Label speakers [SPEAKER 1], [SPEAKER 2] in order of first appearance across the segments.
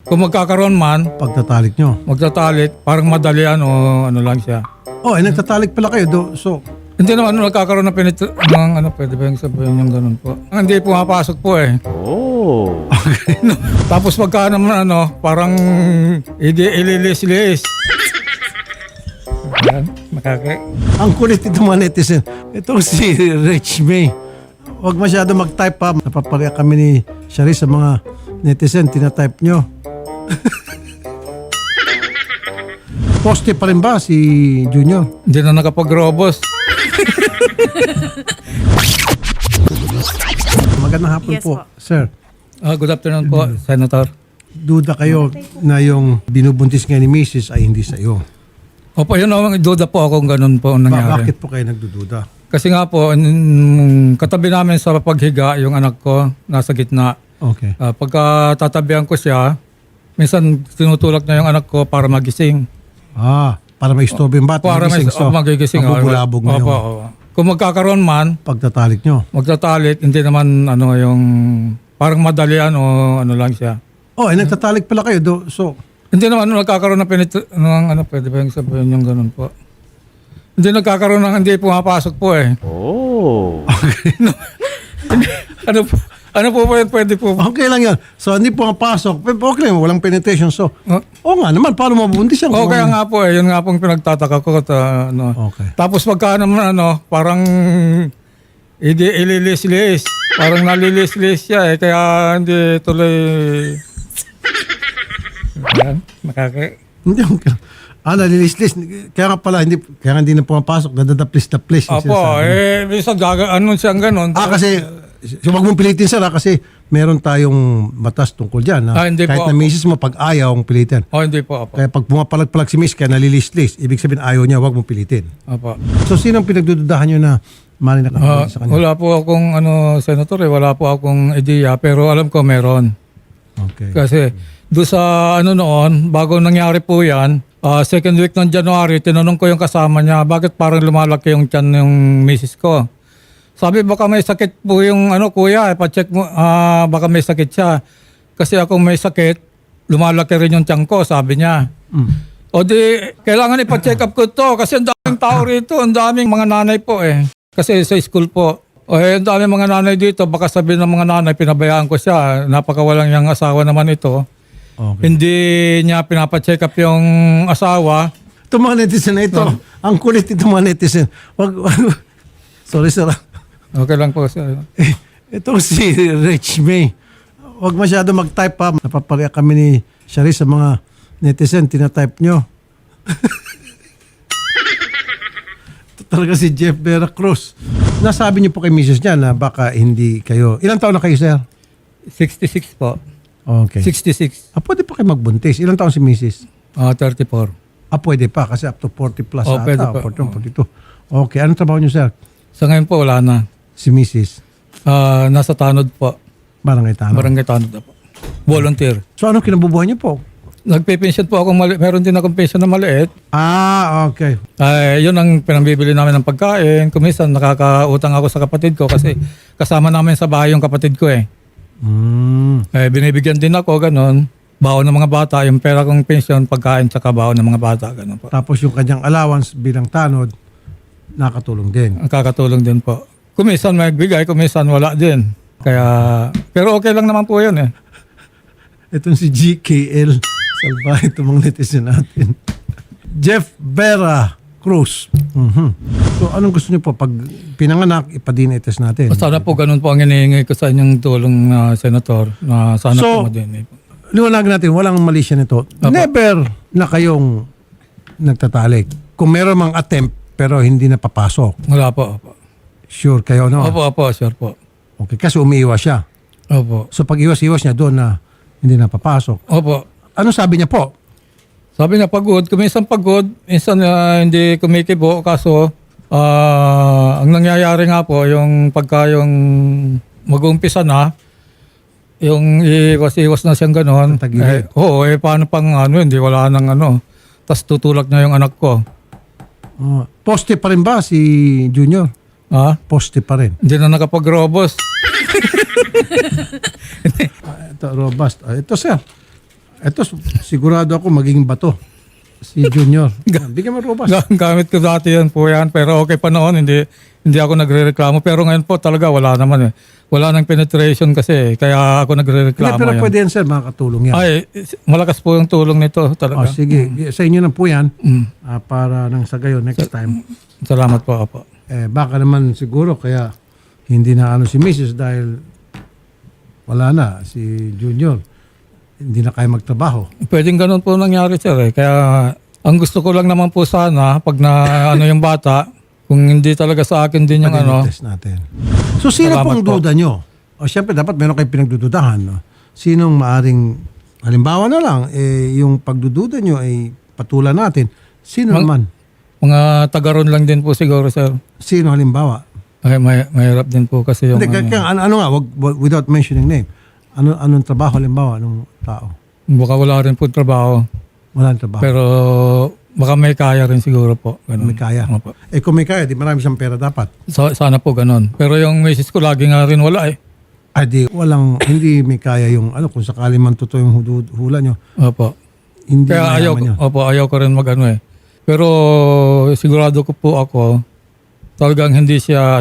[SPEAKER 1] Kung magkakaroon man,
[SPEAKER 2] Pagtatalik nyo.
[SPEAKER 1] magtatalik, parang madalian o ano lang siya.
[SPEAKER 2] Oh, nagtatalik pala kayo. So,
[SPEAKER 1] Hindi naman nagkakaroon ng pwede ba yung sabihin yung ganun po? Hindi pumapasok po eh.
[SPEAKER 3] Oh.
[SPEAKER 1] Tapos pagka naman parang ililis-lis. Ayan,
[SPEAKER 2] ang kulit ito mga netizen. Itong si Rich May. Huwag masyado mag-type pa. Napapareha kami ni Shari sa mga netizen. Tina-type nyo. Poste pa rin ba si Junior?
[SPEAKER 1] Hindi na nakapag-robos.
[SPEAKER 2] Magandang hapon
[SPEAKER 4] Yes
[SPEAKER 2] po,
[SPEAKER 4] po.
[SPEAKER 2] sir.
[SPEAKER 1] Good afternoon po, Senator.
[SPEAKER 2] Duda kayo na yung binubuntis nga ni Mrs. ay hindi sa iyo.
[SPEAKER 1] Opo, yun ang duda po akong ganun po ang nangyari.
[SPEAKER 2] Bakit po kayo nagdududa?
[SPEAKER 1] Kasi nga po, katabi namin sa paghiga, yung anak ko nasa gitna.
[SPEAKER 2] Okay.
[SPEAKER 1] Pagka tatabihan ko siya, minsan tinutulak niya yung anak ko para magising.
[SPEAKER 2] Para may istorbo yung bata.
[SPEAKER 1] Para magigising.
[SPEAKER 2] Mabubulabog na
[SPEAKER 1] Opo,
[SPEAKER 2] yung
[SPEAKER 1] opo. Kung magkakaroon man,
[SPEAKER 2] pagtatalik nyo.
[SPEAKER 1] magtatalik, hindi naman yung parang madalian o ano lang siya.
[SPEAKER 2] Nagtatalik pala kayo. So,
[SPEAKER 1] Hindi naman nagkakaroon ng pwede ba yung sabihin yung ganun po? Hindi nagkakaroon hindi pumapasok po eh.
[SPEAKER 3] Oh.
[SPEAKER 1] Ano po pwede po?
[SPEAKER 2] okay lang yan. So, hindi po mapasok. Okay lang, walang penetration. So, nga naman, paano mabuntis yan?
[SPEAKER 1] Kaya nga po eh, yun nga pong pinagtataka ko.
[SPEAKER 2] Okay.
[SPEAKER 1] Tapos pagka naman parang ililis-lis. Parang nalilis-lis siya eh, kaya hindi tuloy. Ayan,
[SPEAKER 2] Hindi, okay. Nalilis-lis. Kaya nga pala, kaya nga hindi na pumapasok. Dadadaplis-daplis.
[SPEAKER 1] Opo, minsan siyang ganun.
[SPEAKER 2] Kasi, huwag mong pilitin sir kasi meron tayong batas tungkol dyan.
[SPEAKER 1] Hindi
[SPEAKER 2] kahit
[SPEAKER 1] po
[SPEAKER 2] na misis mo, pag ayaw ang pilitin.
[SPEAKER 1] Hindi po, opo.
[SPEAKER 2] Kaya pag pumapalag-palag si miss, kaya nalilis-lis, ibig sabihin ayaw niya, huwag mong pilitin.
[SPEAKER 1] Opo.
[SPEAKER 2] So, sino ang pinagdududahan nyo na mali na kapatid sa kanya?
[SPEAKER 1] Wala po akong senator wala po akong ideya pero alam ko meron.
[SPEAKER 2] Okay.
[SPEAKER 1] Kasi doon sa noon, bago nangyari po yan, second week ng January, tinanong ko yung kasama niya, bakit parang lumalaki yung tiyan ng misis ko? Sabi, baka may sakit po yung kuya, pa-check mo, baka may sakit siya. Kasi ako may sakit, lumalaki rin yung tiyan ko, sabi niya. O di, kailangan ipa-check up ko to kasi ang daming tao rito, ang daming mga nanay po eh. Kasi sa school po, ang daming mga nanay dito, baka sabihin ng mga nanay, pinabayaan ko siya, napakawalang yung asawa naman ito.
[SPEAKER 2] Okay.
[SPEAKER 1] Hindi niya pinapacheck up yung asawa.
[SPEAKER 2] Itong mga netizen na ito, ang kulit itong mga netizen. Sorry sir.
[SPEAKER 1] Okay lang po. Sir.
[SPEAKER 2] Itong si Rich May. Huwag masyado mag-type pa. Napapareha kami ni Shari sa mga netizen. Tina-type nyo. Ito talaga si Jeff Vera Cruz. Nasabi niyo po kay Mrs. niya na baka hindi kayo. Ilang taon na kayo, sir?
[SPEAKER 1] 66 po.
[SPEAKER 2] Okay.
[SPEAKER 1] 66.
[SPEAKER 2] Pwede pa kayo magbuntis. Ilang taon si Mrs.?
[SPEAKER 1] 34.
[SPEAKER 2] Pwede pa kasi up to 40 plus
[SPEAKER 1] pwede
[SPEAKER 2] ata.
[SPEAKER 1] pa.
[SPEAKER 2] 41, 42. Okay. Anong trabaho niyo, sir?
[SPEAKER 1] Sa ngayon po, wala na.
[SPEAKER 2] Si Mrs.
[SPEAKER 1] Nasa Tanod po.
[SPEAKER 2] Barangay Tanod.
[SPEAKER 1] Barangay Tanod na po. Volunteer.
[SPEAKER 2] So, anong kinabubuhay niyo po?
[SPEAKER 1] Nagpe-pension po ako. Meron din akong pension na maliit.
[SPEAKER 2] Okay.
[SPEAKER 1] Yun ang pinambibili namin ng pagkain. Kumisan, nakakautang ako sa kapatid ko kasi kasama namin sa bahay yung kapatid ko eh. Binibigyan din ako, ganun. Baon ng mga bata, yung pera kong pension, pagkain, tsaka baon ng mga bata, ganun po.
[SPEAKER 2] Tapos yung kanyang allowance bilang tanod, nakatulong din.
[SPEAKER 1] Ang kakatulong din po. Kumisan may bigay, kumisan wala din. Pero okay lang naman po yun eh.
[SPEAKER 2] Itong si GKL, salbahe itong mga netizen natin. Jeff Vera Cruz. So anong gusto niyo po? Pag pinanganak, ipa-DNA test natin.
[SPEAKER 1] Sana po ganun po ang hinihingi ko sa inyong tulong na senator. Na sana
[SPEAKER 2] So,
[SPEAKER 1] po din.
[SPEAKER 2] Liwanag natin, walang mali siya nito. Never na kayong nagtatalik. Kung meron mang attempt, pero hindi na papasok.
[SPEAKER 1] Wala po. Opo.
[SPEAKER 2] Sure kayo, no?
[SPEAKER 1] Opo, sure po.
[SPEAKER 2] Okay, kasi umiiwas siya.
[SPEAKER 1] Opo.
[SPEAKER 2] So pag iwas-iwas niya doon na hindi na papasok.
[SPEAKER 1] Opo.
[SPEAKER 2] Ano sabi niya po?
[SPEAKER 1] Sabi niya pagod, kuminsan pagod, minsan hindi kumikibo, kaso ang nangyayari nga po, yung pagka yung mag-uumpisa na, yung iwas-iwas na siyang gano'n.
[SPEAKER 2] Tatagilid.
[SPEAKER 1] Paano pang hindi wala nang tas tutulak niya yung anak ko.
[SPEAKER 2] Poste pa rin ba si Junior? Poste pa rin.
[SPEAKER 1] Hindi na nakapag-robos.
[SPEAKER 2] Ito, robust. Ito, sir. Ito, sigurado ako magiging bato. Si Junior. Bigyan mo robas.
[SPEAKER 1] Gamit ko dati yan po yan. Pero okay pa noon, hindi ako nagre-reklamo. Pero ngayon po talaga wala naman eh. Wala nang penetration kasi kaya ako
[SPEAKER 2] Hindi,
[SPEAKER 1] nagre-reklamo
[SPEAKER 2] pero
[SPEAKER 1] yan.
[SPEAKER 2] pwede yan, sir, makakatulong yan.
[SPEAKER 1] Ay, malakas po yung tulong nito talaga.
[SPEAKER 2] Sige, sa inyo na po yan. Para nang sa gayon, next time.
[SPEAKER 1] Salamat po, Apo.
[SPEAKER 2] Baka naman siguro kaya hindi na ano si Mrs. dahil wala na si Junior. Hindi na kaya magtrabaho.
[SPEAKER 1] Pwedeng ganun po nangyari, sir. Kaya ang gusto ko lang naman po sana, pag na ano yung bata, kung hindi talaga sa akin din yung ano.
[SPEAKER 2] Test natin. So, sino
[SPEAKER 1] Salamat
[SPEAKER 2] pong
[SPEAKER 1] po.
[SPEAKER 2] duda nyo? O, siyempre, dapat meron kayong pinagdududahan. No? Sinong maaring, halimbawa na lang, yung pagdududa nyo ay patulan natin. Sino naman?
[SPEAKER 1] Mga tagaron lang din po siguro, sir.
[SPEAKER 2] Sino halimbawa?
[SPEAKER 1] Ay, mahirap din po kasi yung
[SPEAKER 2] Hindi, kaya ano nga, without mentioning name. Anong trabaho halimbawa ng tao?
[SPEAKER 1] baka wala rin po trabaho.
[SPEAKER 2] Walang trabaho.
[SPEAKER 1] Pero baka may kaya rin siguro po. Ganun.
[SPEAKER 2] May kaya.
[SPEAKER 1] Opo.
[SPEAKER 2] Kung may kaya, di marami siyang pera dapat.
[SPEAKER 1] Sana po ganun. Pero yung misis ko lagi nga rin wala eh.
[SPEAKER 2] Ay di, hindi may kaya yung, kung sakali man totoo yung hula nyo,
[SPEAKER 1] Opo.
[SPEAKER 2] hindi
[SPEAKER 1] Kaya
[SPEAKER 2] mayaman yun.
[SPEAKER 1] ayaw ko rin mag-ano eh. Pero sigurado ko po ako, talagang hindi siya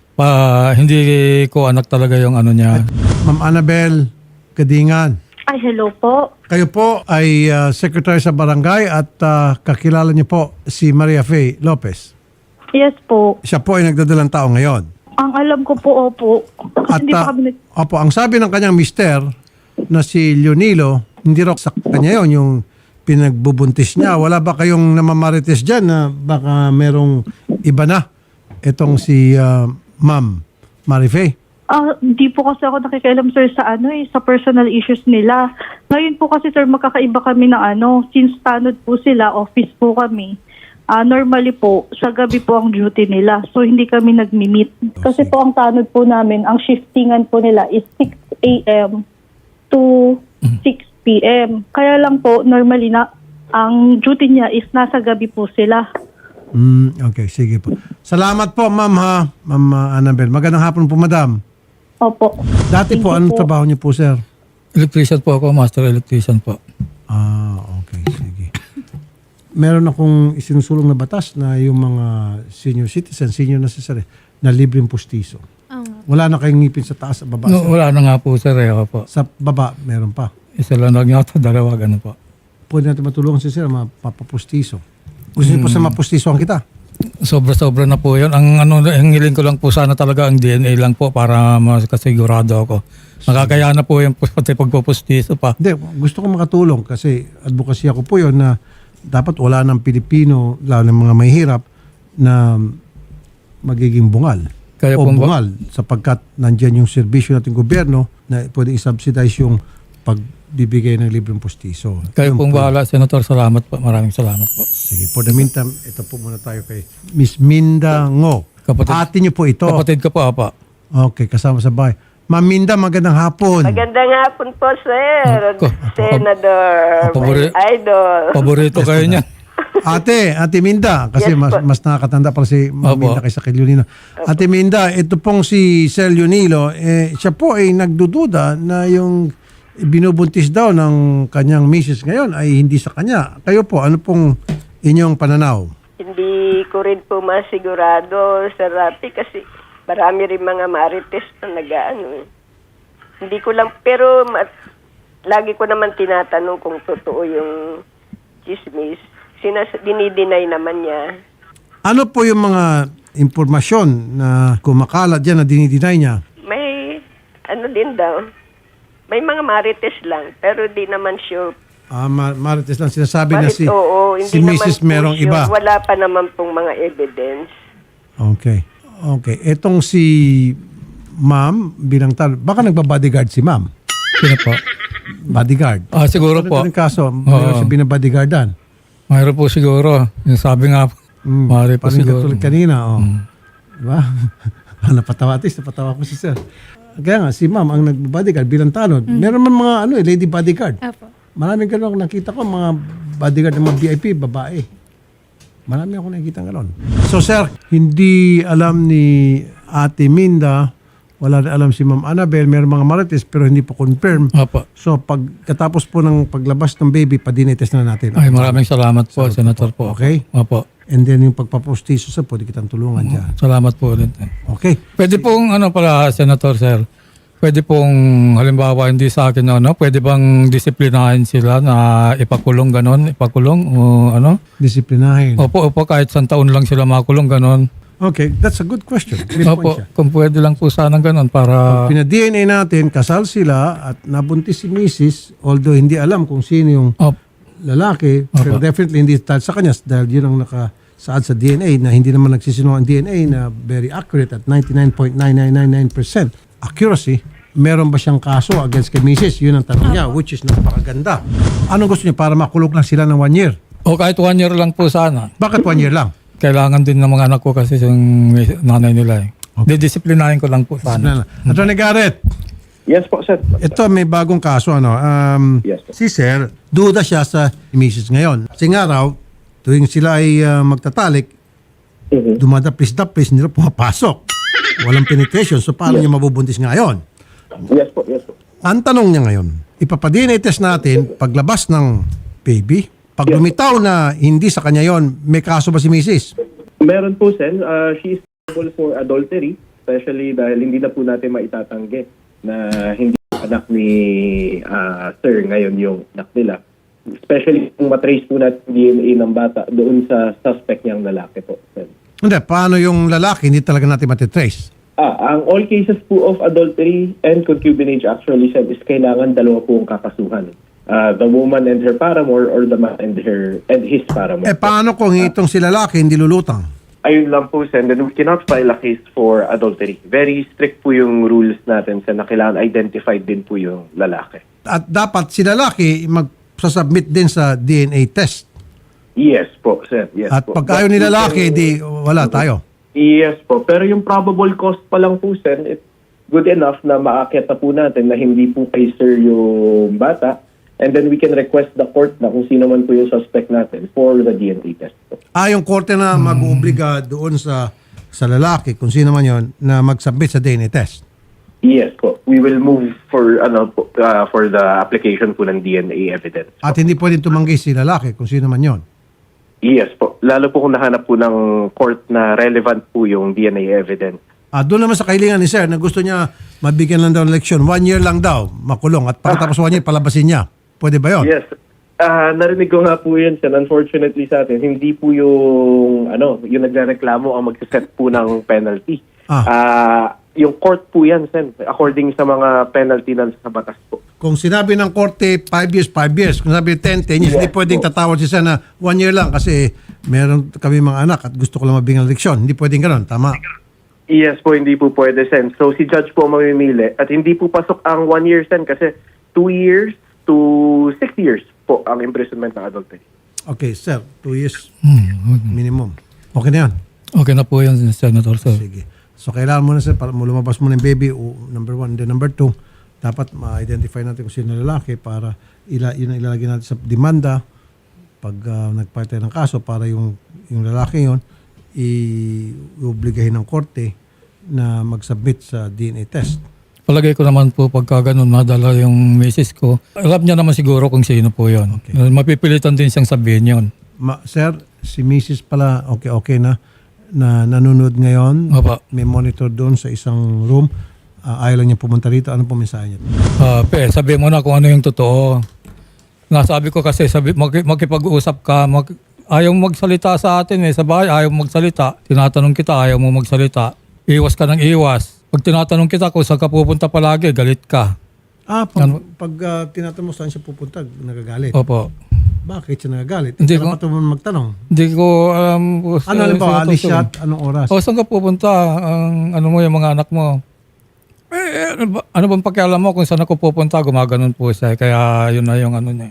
[SPEAKER 1] hindi ko anak talaga yung ano niya.
[SPEAKER 2] Ma'am Annabel Kadingan,
[SPEAKER 4] Ay, hello po.
[SPEAKER 2] kayo po ay secretary sa barangay at kakilala niyo po si Maria Faye Lopez.
[SPEAKER 4] Yes po.
[SPEAKER 2] Siya po ay nagdadalang tao ngayon.
[SPEAKER 4] Ang alam ko po, opo. Kasi
[SPEAKER 2] At
[SPEAKER 4] hindi pa kami
[SPEAKER 2] opo, ang sabi ng kanyang mister na si Leonilo, hindi raw sa kanya yon yung pinagbubuntis niya. Wala ba kayong namamarites dyan na baka merong iba na? Itong si Ma'am Marie Faye.
[SPEAKER 4] Hindi po kasi ako nakikialam, sir, sa sa personal issues nila. Ngayon po kasi, sir, magkakaiba kami ng since tanod po sila, office po kami. Normally po, sa gabi po ang duty nila. So, hindi kami nag-meet. Kasi po ang tanod po namin, ang shiftingan po nila is 6 a.m. to 6 p.m. Kaya lang po, normally ang duty niya is nasa gabi po sila.
[SPEAKER 2] Okay, sige po. Salamat po, ma'am ha. Ma'am Annabel. Magandang hapon po, madam.
[SPEAKER 4] Opo.
[SPEAKER 2] Dati po, anong trabaho niyo po, sir?
[SPEAKER 1] Electrician po ako, master electrician po.
[SPEAKER 2] Okay, sige. Meron akong isinusulong na batas na yung mga senior citizen, senior na sir, na libreng pustiso. Wala na kayong ngipin sa taas at baba.
[SPEAKER 1] No,
[SPEAKER 2] sir.
[SPEAKER 1] wala na nga po, sir. Po.
[SPEAKER 2] Sa baba, meron pa.
[SPEAKER 1] Isa lang yata, dalawa, ganun po.
[SPEAKER 2] Pwede natin matulungan si sir, mapapustiso. Gusto niyo po sa mapustisoan kita?
[SPEAKER 1] Sobra-sobra na po yun. Ang hiling ko lang po sana talaga ang DNA lang po para makasigurado ako. Nakakaya na po yung pati pagpupustiso pa.
[SPEAKER 2] Hindi, gusto ko makatulong kasi advocacy ako po yun na dapat wala ng Pilipino, lalo ng mga mahihirap, na magiging bungal.
[SPEAKER 1] Kaya
[SPEAKER 2] O
[SPEAKER 1] po
[SPEAKER 2] bungal sapagkat nandyan yung serbisyo nating gobyerno na pwede i-subsidize yung pagbibigay ng libreng pustiso.
[SPEAKER 1] Kayo
[SPEAKER 2] Yun
[SPEAKER 1] pong
[SPEAKER 2] po.
[SPEAKER 1] bahala, Senator. Salamat po. Maraming salamat po.
[SPEAKER 2] Sige, for the meantime, ito po muna tayo kay Miss Minda Ngo.
[SPEAKER 1] Kapatid.
[SPEAKER 2] Ate niyo po ito.
[SPEAKER 1] Kapatid ko po, apa.
[SPEAKER 2] Okay, kasama sa bahay. Ma'am Minda, magandang hapon.
[SPEAKER 5] Magandang hapon po, sir.
[SPEAKER 1] Ako.
[SPEAKER 5] Senador,
[SPEAKER 1] Pabori-
[SPEAKER 5] my idol.
[SPEAKER 1] Paborito kayo niyan.
[SPEAKER 2] Ate Minda, kasi
[SPEAKER 5] Yes,
[SPEAKER 2] mas nakakatanda pala si Ma'am
[SPEAKER 1] Opo.
[SPEAKER 2] Minda kaysa kay Leonilo. Ate Minda, ito pong si Sir Leonilo, siya po ay nagdududa na yung binubuntis daw ng kanyang misis ngayon ay hindi sa kanya. Kayo po, ano pong inyong pananaw?
[SPEAKER 5] Hindi ko rin po masigurado, Sir Rapi, kasi marami rin mga marites na nag-ano. Hindi ko lang, pero lagi ko naman tinatanong kung totoo yung chismis. Dinideny naman niya.
[SPEAKER 2] Ano po yung mga impormasyon na kumakalat dyan na dinidinay niya?
[SPEAKER 5] May, din daw, may mga marites lang, pero di naman sure.
[SPEAKER 2] Marites lang sinasabi na
[SPEAKER 5] Oo,
[SPEAKER 2] si
[SPEAKER 5] hindi
[SPEAKER 2] Mrs.
[SPEAKER 5] naman po
[SPEAKER 2] merong
[SPEAKER 5] sure.
[SPEAKER 2] iba.
[SPEAKER 5] Wala pa naman pong mga evidence.
[SPEAKER 2] Okay. Etong si Ma'am bilang baka nagba-bodyguard si Ma'am.
[SPEAKER 1] Sino po?
[SPEAKER 2] Bodyguard.
[SPEAKER 1] Siguro po.
[SPEAKER 2] Ito yung kaso, mayroon siya binabodyguardan.
[SPEAKER 1] Mayroon po siguro. Yung sabi nga po. Mari po
[SPEAKER 2] Parang
[SPEAKER 1] siguro.
[SPEAKER 2] katulad kanina. Diba? Napatawa ko si Sir. Kaya nga, si Ma'am ang nagba-bodyguard bilang tanod. Meron man mga lady bodyguard.
[SPEAKER 6] Apo.
[SPEAKER 2] Maraming ganun ako nakita ko, mga bodyguard ng mga VIP, babae. Marami ako nakikita gano'n. So sir, hindi alam ni Ate Minda wala na alam si Ma'am Annabel, meron mga marites pero hindi po confirm.
[SPEAKER 1] Opo.
[SPEAKER 2] So pagkatapos po ng paglabas ng baby, pa-DNA test na natin.
[SPEAKER 1] Ay, maraming salamat po, Senator po.
[SPEAKER 2] Okay?
[SPEAKER 1] Opo.
[SPEAKER 2] And then yung pagpapostiso sa pwede kitang tulungan dyan.
[SPEAKER 1] Salamat po ulit.
[SPEAKER 2] Okay?
[SPEAKER 1] Pwede pong pala, Senator Sir, pwede pong halimbawa hindi sa akin pwede bang disiplinahin sila na ipakulong ipakulong o ano?
[SPEAKER 2] Disiplinahin.
[SPEAKER 1] Opo, kahit isang taon lang sila makulong ganon.
[SPEAKER 2] Okay, that's a good question. Good
[SPEAKER 1] Opo,
[SPEAKER 2] point siya.
[SPEAKER 1] kung pwede lang po sanang ganon para...
[SPEAKER 2] Pina-DNA natin, kasal sila at nabuntis si Mrs. Although hindi alam kung sino yung lalaki, pero definitely hindi dahil sa kanya dahil yun ang nakasaad sa DNA na hindi naman nagsisinungaling ang DNA na very accurate at 99.9999% accuracy. Meron ba siyang kaso against kay Mrs.? Yun ang tanong niya, which is napakaganda. Anong gusto niya para makulong lang sila ng 1 year?
[SPEAKER 1] O kahit 1 year lang po sana.
[SPEAKER 2] Bakit 1 year lang?
[SPEAKER 1] Kailangan din ng mga anak ko kasi yung nanay nila eh. Didisiplinahin ko lang po sana.
[SPEAKER 2] Attorney Garrett,
[SPEAKER 6] Yes po, sir.
[SPEAKER 2] ito may bagong kaso.
[SPEAKER 6] Yes, sir.
[SPEAKER 2] Si Sir, duda siya sa Mrs. ngayon. Kasi nga raw, tuwing sila ay magtatalik, dumadapis-dapis, hindi na pumapasok. Walang penetration. So paano niya mabubuntis ngayon?
[SPEAKER 6] Yes po, yes po.
[SPEAKER 2] Ang tanong niya ngayon, ipapa-DNA test natin paglabas ng baby. Pag lumitaw na hindi sa kanya yon, may kaso ba si Mrs.?
[SPEAKER 6] Meron po, sir. She is liable for adultery, especially dahil hindi na po natin maitatanggi na hindi anak ni sir ngayon yung anak nila. Especially kung matrace po natin DNA ng bata doon sa suspect niyang lalaki po, sir.
[SPEAKER 2] Hindi, paano yung lalaki? Hindi talaga natin matitrace.
[SPEAKER 6] Ang all cases po of adultery and concubinage actually, sir, is kailangan dalawa po ang kakasuhan. The woman and her paramour or the man and his paramour.
[SPEAKER 2] Paano kung itong si lalaki hindi lulutang?
[SPEAKER 6] Ayun lang po, Sen. Then we cannot file a case for adultery. Very strict po yung rules natin, Sen, na kailangan identified din po yung lalaki.
[SPEAKER 2] At dapat si lalaki magsasubmit din sa DNA test.
[SPEAKER 6] Yes po, Sen. Yes
[SPEAKER 2] At
[SPEAKER 6] po.
[SPEAKER 2] pag ayaw ni lalaki, di wala tayo.
[SPEAKER 6] Yes po. Pero yung probable cost pa lang po, Sen, it's good enough na maakyat na po natin na hindi po kay sir yung bata. And then we can request the court na kung sino man po yung suspect natin for the DNA test po.
[SPEAKER 2] Yung korte na mag-uubliga doon sa lalaki, kung sino man yon, na mag-submit sa DNA test.
[SPEAKER 6] Yes po. We will move for for the application po ng DNA evidence.
[SPEAKER 2] At hindi pwedeng tumanggi si lalaki, kung sino man yon.
[SPEAKER 6] Yes po. Lalo po kung nahanap po ng court na relevant po yung DNA evidence.
[SPEAKER 2] Doon naman sa kahilingan ni sir na gusto niya mabigyan lang daw ng leksyon. 1 year lang daw, makulong. At pagkatapos 1 year, palabasin niya. Pwede ba yun?
[SPEAKER 6] Yes. Narinig ko nga po yun, sir. Unfortunately sa atin, hindi po yung nagrereklamo ang magsiset po ng penalty. Yung court po yan, sir. According sa mga penalty na sa batas po.
[SPEAKER 2] Kung sinabi ng korte 5 years, 5 years. Kung sabi 10 years, hindi pwedeng tatawad siya na 1 year lang kasi meron kami mga anak at gusto ko lang mabigyan ng leksyon. Hindi pwedeng gano'n. Tama.
[SPEAKER 6] Yes po, hindi po pwede, sen. So si judge po ang mamimili at hindi po pasok ang 1 year, sen, kasi 2 years to 6 years po ang imprisonment ng adultery.
[SPEAKER 2] Okay, sir. 2 years minimum. Okay na yan.
[SPEAKER 1] Okay na po yan, Senator Sir.
[SPEAKER 2] Sige. So, kailangan mo na, sir, para lumabas mo ng baby, number 1. Then, number 2, dapat ma-identify natin kung sino lalaki para yun ang ilalagay natin sa demanda pag nagpahit tayo ng kaso para yung lalaki yun i-obligahin ng korte na mag-submit sa DNA test.
[SPEAKER 1] Palagay ko naman po pagka ganun madala yung misis ko. Alam niya naman siguro kung sino po yun.
[SPEAKER 2] Okay.
[SPEAKER 1] Mapipilitan din siyang sabihin yun.
[SPEAKER 2] Sir, si Mrs. pala, okay na nanonood ngayon.
[SPEAKER 1] Opo.
[SPEAKER 2] May monitor doon sa isang room. Ayaw lang niya pumunta rito. Anong po mensahe niya?
[SPEAKER 1] Sabihin mo na kung ano yung totoo. Nasabi ko kasi, makipag-usap ka, ayaw magsalita sa atin sa bahay, ayaw magsalita. Tinatanong kita, ayaw mo magsalita. Iwas ka ng iwas. Pag tinatanong kita kung saan ka pupunta palagi, galit ka.
[SPEAKER 2] Pag tinatanong mo saan siya pupunta, nagagalit.
[SPEAKER 1] Opo.
[SPEAKER 2] Bakit siya nagagalit?
[SPEAKER 1] Hindi
[SPEAKER 2] Hindi ko magtanong.
[SPEAKER 1] Hindi ko alam.
[SPEAKER 2] Ano ba, alis siya at anong oras?
[SPEAKER 1] Saan ka pupunta? Ano mo yung mga anak mo? Ano bang pakialam mo kung saan ako pupunta? Gumaganon po siya. Kaya yun na yung ano niya.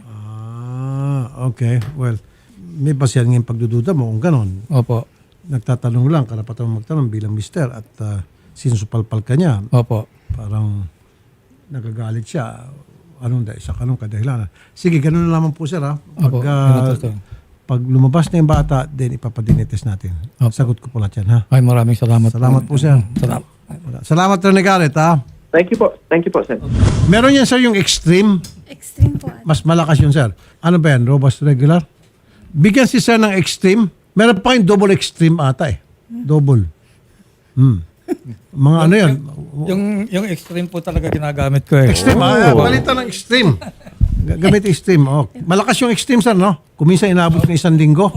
[SPEAKER 2] Okay. Well, may basihan ngayong pagdududa mo kung ganon.
[SPEAKER 1] Opo.
[SPEAKER 2] Nagtatanong lang, karapatan mo magtanong bilang mister at sinusupalpal ka niya.
[SPEAKER 1] Opo.
[SPEAKER 2] Parang nagagalit siya. Anong kadahilanan. Sige, ganun na lamang po, sir.
[SPEAKER 1] Opo.
[SPEAKER 2] Pag lumabas na yung bata, then ipapadinites natin.
[SPEAKER 1] Opo.
[SPEAKER 2] Sagot ko po lahat yan, ha?
[SPEAKER 1] Ay, maraming salamat.
[SPEAKER 2] Salamat po, sir.
[SPEAKER 1] Salamat.
[SPEAKER 2] Salamat, Attorney Garrett, ha?
[SPEAKER 6] Thank you po. Thank you po, sir.
[SPEAKER 2] Meron yan, sir, yung extreme.
[SPEAKER 7] Extreme po.
[SPEAKER 2] Mas malakas yun, sir. Ano ba yan? Robust regular? Bigyan si sir ng extreme. Meron pa yung double extreme ata eh. Double. Mga ano yan?
[SPEAKER 1] Yung extreme po talaga ginagamit ko eh.
[SPEAKER 2] Extreme. Palitan ng extreme. Gamit extreme. Oh. Malakas yung extreme, sir, no? Kung minsan inabot ng 1 linggo.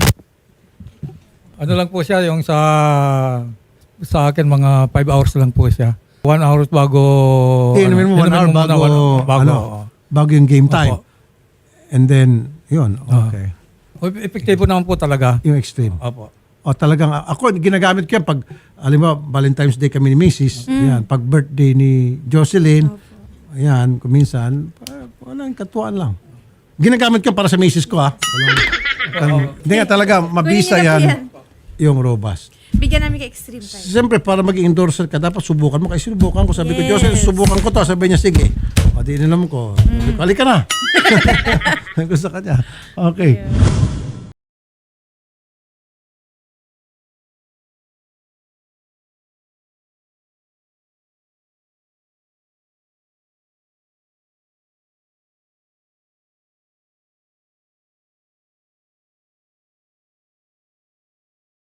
[SPEAKER 1] Ano lang po siya, yung sa akin mga 5 hours lang po siya. 1 hour bago...
[SPEAKER 2] Inumin mo 1 hour
[SPEAKER 1] muna,
[SPEAKER 2] bago yung game time.
[SPEAKER 1] Opo.
[SPEAKER 2] And then, yun. Okay.
[SPEAKER 1] Epektibo naman po talaga.
[SPEAKER 2] Yung extreme.
[SPEAKER 1] Opo.
[SPEAKER 2] O talagang, ako, ginagamit ko yan pag, alam mo, Valentine's Day kami ni Mrs. Yan, pag birthday ni Jocelyn, ayan, kuminsan, walang katuan lang. Ginagamit ko para sa Mrs. ko, ha? Hindi nga talaga, mabisa
[SPEAKER 7] Kunin niyo na po
[SPEAKER 2] yan, yung robust.
[SPEAKER 7] Bigyan namin kay extreme time.
[SPEAKER 2] Siyempre, para maging endorser ka, dapat subukan mo. Kasi subukan ko. Sabi ko,
[SPEAKER 7] Yes.
[SPEAKER 2] Jocelyn, subukan ko to. Sabi niya, sige. O, di naman ko. Sabi ko, halika na. Gusto ka niya. Okay.